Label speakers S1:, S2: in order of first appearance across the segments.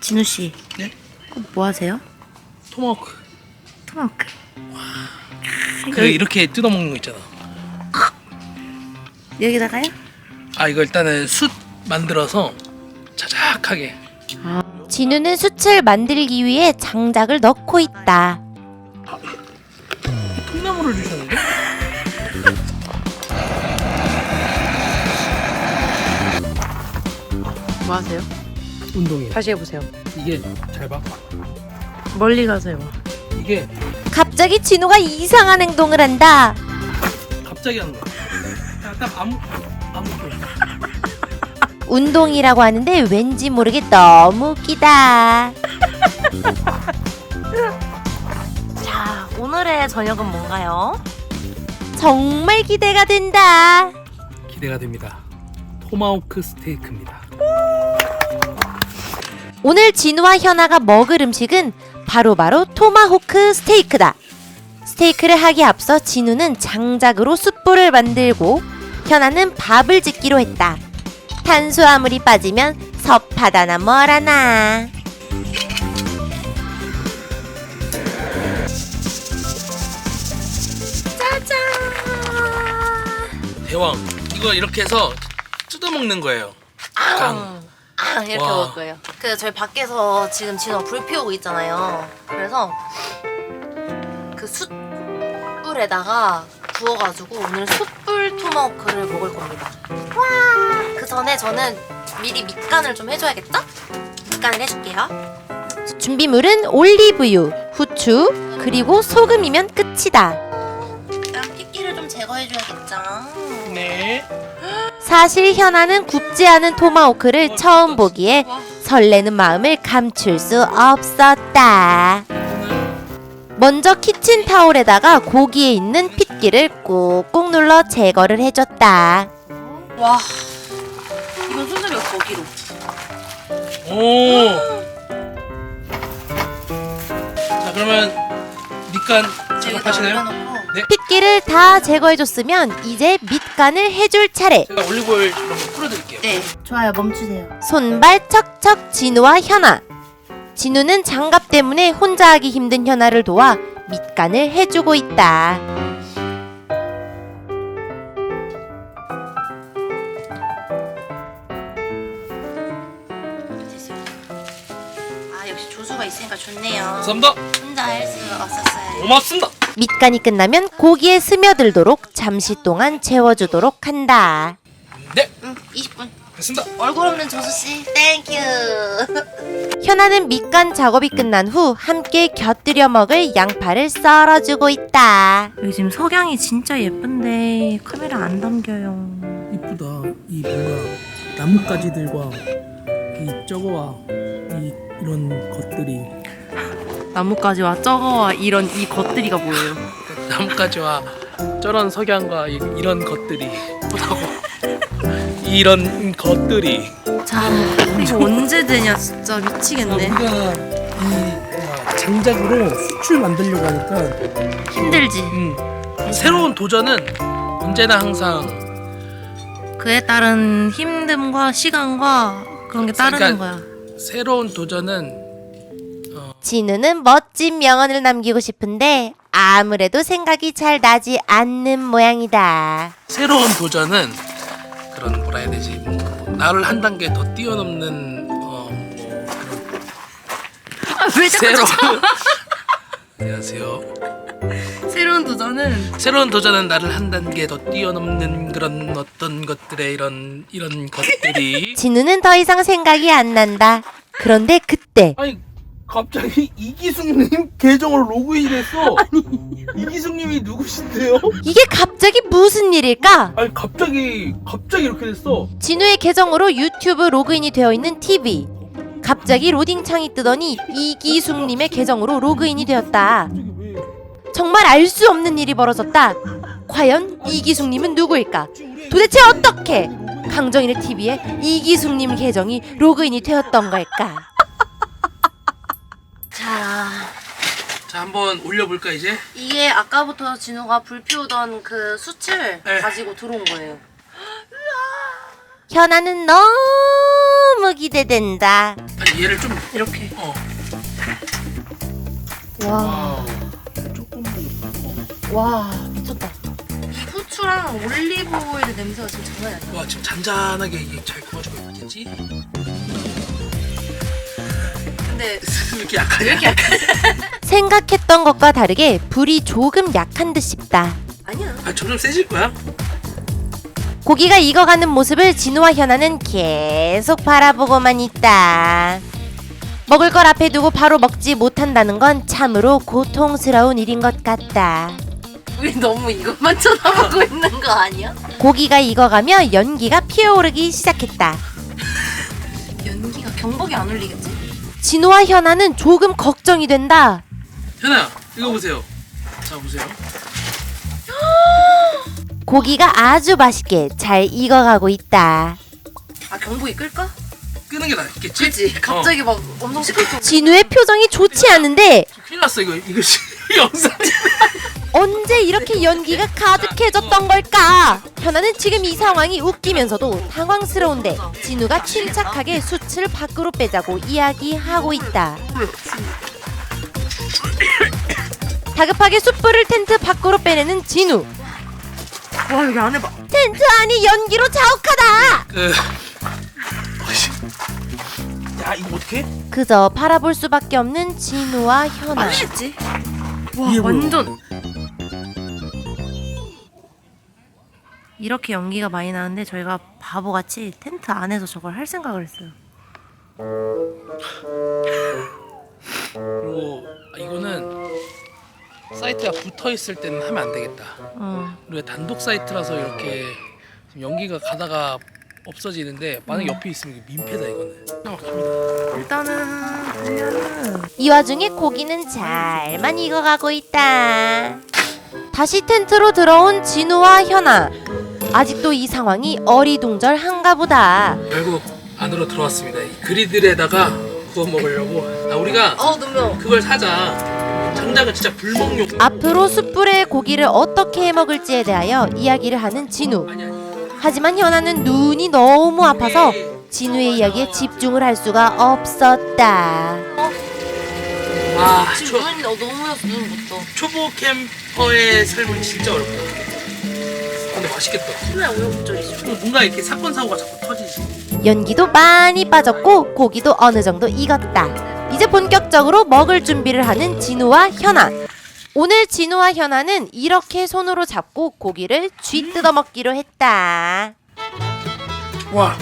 S1: 진우 씨.
S2: 네?
S1: 뭐 하세요?
S2: 토마호크.
S1: 토마호크.
S2: 그 이렇게 뜯어먹는 거 있잖아.
S1: 여기다가요?
S2: 아 이거 일단은 숯 만들어서 자작하게.
S3: 진우는 숯을 만들기 위해 장작을 넣고 있다.
S2: 통나무를 주셨는데?
S1: 뭐 하세요?
S2: 운동이에요.
S1: 다시 해보세요.
S2: 이게 잘 봐.
S1: 멀리 가세요.
S2: 이게
S3: 갑자기 진우가 이상한 행동을 한다.
S2: 갑자기 하는 거야. 딱 아무
S3: 운동이라고 하는데 왠지 모르게 너무 웃기다.
S1: 자, 오늘의 저녁은 뭔가요?
S3: 정말 기대가 된다.
S2: 기대가 됩니다. 토마호크 스테이크입니다.
S3: 오늘 진우와 현아가 먹을 음식은 바로 토마호크 스테이크다. 스테이크를 하기에 앞서 진우는 장작으로 숯불을 만들고 현아는 밥을 짓기로 했다. 탄수화물이 빠지면 섭하다나 뭐라나.
S1: 짜잔.
S2: 대왕. 이거 이렇게 해서 뜯어먹는 거예요.
S1: 이렇게
S2: 와.
S1: 먹을 거예요. 그 저희 밖에서 지금 진우가 불 피우고 있잖아요. 그래서 그 숯불에다가 구워가지고 오늘 숯불 토마호크를 먹을 겁니다. 와! 그 전에 저는 미리 밑간을 좀 해줘야겠죠? 밑간을 해줄게요.
S3: 준비물은 올리브유, 후추, 그리고 소금이면 끝이다.
S1: 일단 핏기를 좀 제거해줘야겠죠?
S2: 네.
S3: 사실 현아는 굽지 않은 토마호크를 처음 보기에 설레는 마음을 감출 수 없었다. 먼저 키친타올에다가 고기에 있는 핏기를 꾹꾹 눌러 제거를 해줬다.
S1: 와, 이건 수제비가 거기로.
S2: 오. 자 그러면 밑간 작업하시나요? 네.
S3: 핏기를 다 제거해줬으면 이제 밑간을 해줄 차례.
S2: 제가 올리브오일 이런 거 풀어드릴게요.
S1: 네, 좋아요. 멈추세요.
S3: 손발 척척 진우와 현아. 진우는 장갑 때문에 혼자 하기 힘든 현아를 도와 밑간을 해주고 있다.
S1: 됐어요. 아, 역시 조수가 있으니까 좋네요.
S2: 감사합니다.
S1: 혼자 할 수 없었어요.
S2: 고맙습니다.
S3: 밑간이 끝나면 고기에 스며들도록 잠시 동안 재워주도록 한다.
S2: 네.
S1: 20분.
S2: 됐습니다.
S1: 얼굴 없는 조수씨, 땡큐.
S3: 현아는 밑간 작업이 끝난 후 함께 곁들여 먹을 양파를 썰어주고 있다.
S1: 여기 지금 석양이 진짜 예쁜데 카메라 안 담겨요.
S2: 이쁘다. 이 뭔가 나뭇가지들과 이 저거와 이런 것들이
S1: 나뭇가지와 저거와 이런 이 것들이가 뭐예요?
S2: 나뭇가지와 저런 석양과 이런 것들이 예쁘다고. 이런 것들이.
S1: 자, 이거 언제 되냐 진짜 미치겠네.
S2: 우리가 이 장작으로 숯을 만들려고 하니까
S1: 힘들지.
S2: 새로운 도전은 언제나 항상
S1: 그에 따른 힘듦과 시간과 그런 게 따르는
S2: 그러니까
S1: 거야.
S2: 새로운 도전은
S3: 진우는 멋진 명언을 남기고 싶은데 아무래도 생각이 잘 나지 않는 모양이다.
S2: 새로운 도전은 그런 뭐라 해야 되지? 나를 한 단계 더 뛰어넘는
S1: 왜 자꾸
S2: 새로운
S1: 저
S2: 안녕하세요.
S1: 새로운 도전은
S2: 나를 한 단계 더 뛰어넘는 그런 어떤 것들의 이런 것들이.
S3: 진우는 더 이상 생각이 안 난다. 그런데 그때
S2: 아니 갑자기 이기숙님 계정으로 로그인했어. 이기숙님이 누구신데요?
S3: 이게 갑자기 무슨 일일까?
S2: 아니 갑자기 이렇게 됐어.
S3: 진우의 계정으로 유튜브 로그인이 되어 있는 TV. 갑자기 로딩창이 뜨더니 이기숙님의 계정으로 로그인이 되었다. 정말 알 수 없는 일이 벌어졌다. 과연 이기숙님은 누구일까? 도대체 어떻게 강정인의 TV에 이기숙님 계정이 로그인이 되었던 걸까?
S1: 자,
S2: 한번 올려볼까 이제?
S1: 이게 아까부터 진우가 불 피우던 그 숯을
S2: 네.
S1: 가지고 들어온 거예요.
S3: 현아는 너무 너무 기대된다.
S2: 아니 얘를 좀
S1: 이렇게.
S3: 와,
S2: 조금만
S1: 와 미쳤다. 이 후추랑 올리브 오일 냄새가 지금 장난이 아니야.
S2: 와 지금 잔잔하게 이게 잘 구워지고 있겠지?
S1: 근데
S2: 왜 이렇게 약하냐?
S1: 왜 이렇게 약해?
S3: 생각했던 것과 다르게 불이 조금 약한 듯 싶다.
S1: 아니야.
S2: 아 점점 세질 거야?
S3: 고기가 익어가는 모습을 진우와 현아는 계속 바라보고만 있다. 먹을 걸 앞에 두고 바로 먹지 못한다는 건 참으로 고통스러운 일인 것 같다.
S1: 우리 너무 이것만 쳐다보고 있는 거 아니야?
S3: 고기가 익어가며 연기가 피어오르기 시작했다.
S1: 연기가 경복이 안 울리겠지?
S3: 진우와 현아는 조금 걱정이 된다.
S2: 현아 이거 보세요. 자 보세요.
S3: 고기가 아주 맛있게 잘 익어가고 있다.
S1: 아 경복이 끌까?
S2: 끄는 게 낫겠지?
S1: 그치? 갑자기 막 엄청 시끄럽고.
S3: 진우의 표정이 좋지 않은데
S2: 큰일 났어 이거 영상.
S3: 언제 이렇게 연기가 가득해졌던 걸까? 현아는 지금 이 상황이 웃기면서도 당황스러운데 진우가 침착하게 숯을 밖으로 빼자고 이야기하고 있다. 다급하게 숯불을 텐트 밖으로 빼내는 진우.
S1: 와 여기 안에 봐.
S3: 텐트 안이 연기로 자욱하다.
S2: 야 이거 어떡해?
S3: 그저 바라볼 수밖에 없는 진우와 현아.
S1: 맛있지? 와
S2: 이게 뭐야?
S1: 완전. 이렇게 연기가 많이 나는데 저희가 바보같이 텐트 안에서 저걸 할 생각을 했어요.
S2: 그리고 이거는 사이트가 붙어 있을 때는 하면 안 되겠다. 우리가 단독 사이트라서 이렇게 지금 연기가 가다가 없어지는데 만약 옆에 있으면 이게 민폐다 이거는. 막힙니다.
S1: 일단은
S3: 이 와중에 고기는 잘만 익어가고 있다. 다시 텐트로 들어온 진우와 현아. 아직도 이 상황이 어리둥절한가 보다.
S2: 결국 안으로 들어왔습니다. 이 그리들에다가 구워 먹으려고. 우리가
S1: 눈명.
S2: 그걸 사자. 장작은 진짜 불멍용.
S3: 앞으로 숯불에 고기를 어떻게 해먹을지에 대하여 이야기를 하는 진우.
S2: 아니.
S3: 하지만 현아는 눈이 너무 아파서 진우의 이야기에 집중을 할 수가 없었다.
S2: 와
S1: 지금 눈이 너무 여서 눈 못 떠.
S2: 초보 캠퍼의 삶은 진짜 어렵다. 근데 맛있겠다.
S1: 맨날 우여곡절이지.
S2: 뭔가 이렇게 사건 사고가 자꾸 터지지.
S3: 연기도 많이 빠졌고 고기도 어느 정도 익었다. 이제 본격적으로 먹을 준비를 하는 진우와 현아. 오늘 진우와 현아는 이렇게 손으로 잡고 고기를 쥐 뜯어 먹기로 했다.
S2: 와.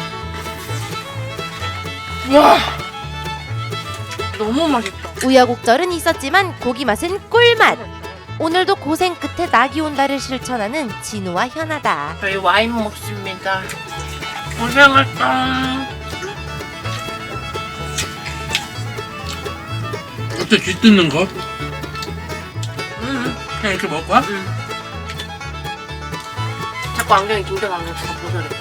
S1: 너무 맛있다.
S3: 우여곡절은 있었지만 고기 맛은 꿀맛. 오늘도 고생 끝에 낙이 온다를 실천하는 진우와 현아다.
S1: 저희 와인 먹습니다. 고생했다.
S2: 어때 쥐 뜯는 거? 그냥 이렇게 먹을 거야?
S1: 자꾸 안경이 긴장 안경 자꾸 벗어야겠다.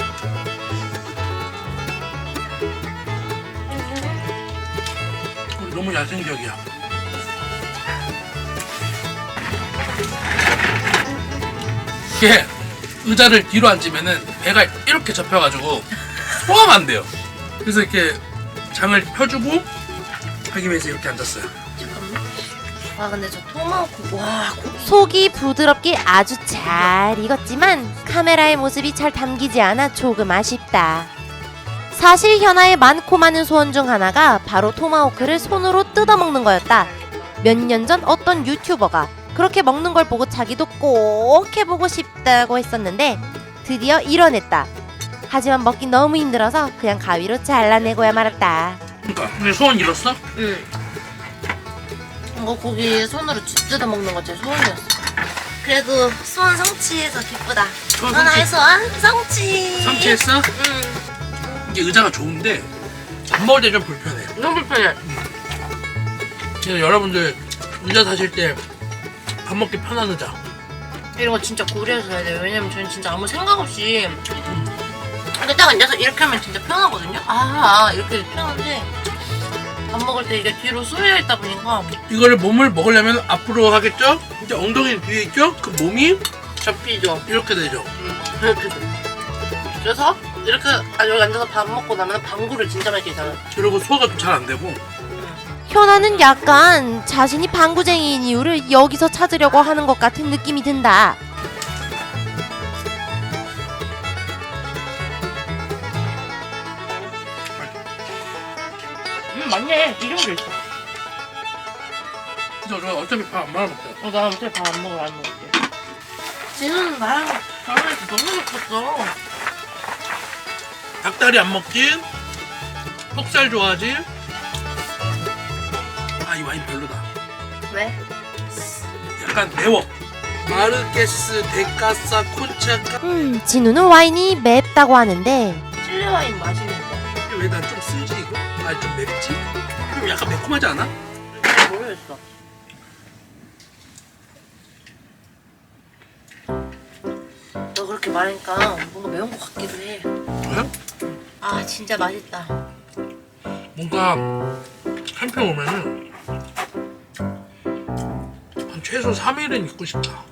S2: 우리 너무 야생적이야. 이게 의자를 뒤로 앉으면은 배가 이렇게 접혀가지고 소화가 안 돼요. 그래서 이렇게 장을 펴주고 하기 위해서 이렇게 앉았어요.
S1: 와 근데 저 토마호크 와
S3: 속이 부드럽게 아주 잘 익었지만 카메라의 모습이 잘 담기지 않아 조금 아쉽다. 사실 현아의 많고 많은 소원 중 하나가 바로 토마호크를 손으로 뜯어먹는 거였다. 몇 년 전 어떤 유튜버가 그렇게 먹는 걸 보고 자기도 꼭 해보고 싶다고 했었는데 드디어 이뤄냈다. 하지만 먹기 너무 힘들어서 그냥 가위로 잘라내고야 말았다.
S2: 그러니까 근데 소원 이뤘어?
S1: 응. 이거 고기 손으로 뜯어 먹는 거 제 소원이었어. 그래도 소원 성취해서 기쁘다.
S2: 소원
S1: 하나의
S2: 성취.
S1: 소원 성취.
S2: 성취했어?
S1: 응.
S2: 이게 의자가 좋은데 밥 먹을 때 좀 불편해.
S1: 너무 불편해.
S2: 그래서 여러분들 의자 사실 때 밥 먹기 편한 의자.
S1: 이런 거 진짜 고려해서 해야 돼요. 왜냐면 저는 진짜 아무 생각 없이 이렇게 딱 앉아서 이렇게 하면 진짜 편하거든요. 이렇게 편한데 밥 먹을 때 이게 뒤로 쏠려 있다 보니까
S2: 이거를 몸을 먹으려면 앞으로 하겠죠? 이제 엉덩이는 뒤에 있죠? 그 몸이
S1: 접히죠.
S2: 이렇게 되죠.
S1: 이렇게 돼. 그래서 이렇게 여기 앉아서 밥 먹고 나면 방구를 진짜 많이 끼잖아.
S2: 그리고 소화가 좀 잘 안 되고.
S3: 현아는 약간 자신이 방구쟁이인 이유를 여기서 찾으려고 하는 것 같은 느낌이 든다.
S1: 맞네. 기름도 있어.
S2: 저 어차피 밥 안 말아 먹자.
S1: 나 어차피 밥 안 먹을게. 진우는 나랑 결혼해서 너무 예뻤어.
S2: 닭다리 안 먹지? 턱살 좋아하지? 아, 이 와인 별로다.
S1: 왜?
S2: 약간 매워. 마르케스, 데카사, 콘차카.
S3: 진우는 와인이 맵다고 하는데
S1: 칠리 와인 맛있는데.
S2: 왜 난 좀 쓰지 이거? 아, 좀 맵지? 좀 약간 매콤하지 않아?
S1: 모르겠어. 너 그렇게 말하니까 뭔가 매운 것 같기도 해.
S2: 그래?
S1: 아 진짜 맛있다.
S2: 뭔가 캠핑 오면은 한 최소 3일은 있고 싶다.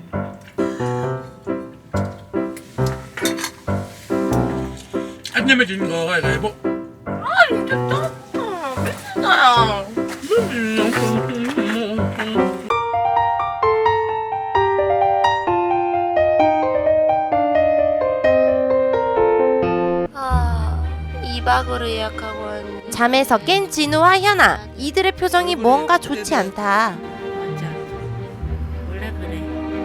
S2: 한 점에 지는 거가 이거
S1: 아 진짜 짱 미친다야. 아 2박으로 예약하고 왔는데.
S3: 잠에서 깬 진우와 현아. 이들의 표정이 뭔가 좋지 않다.
S1: 맞아. 원래 그래.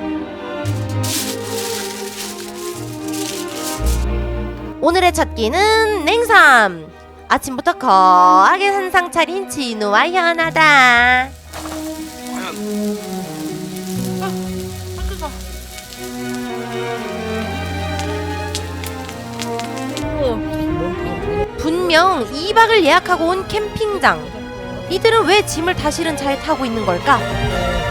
S3: 오늘의 첫 끼는 냉삼. 아침부터 거하게 한상 차린 진우와 현아다.
S1: 뜨거.
S3: 분명 2박을 예약하고 온 캠핑장. 이들은 왜 짐을 다 실은 차에 타고 있는 걸까?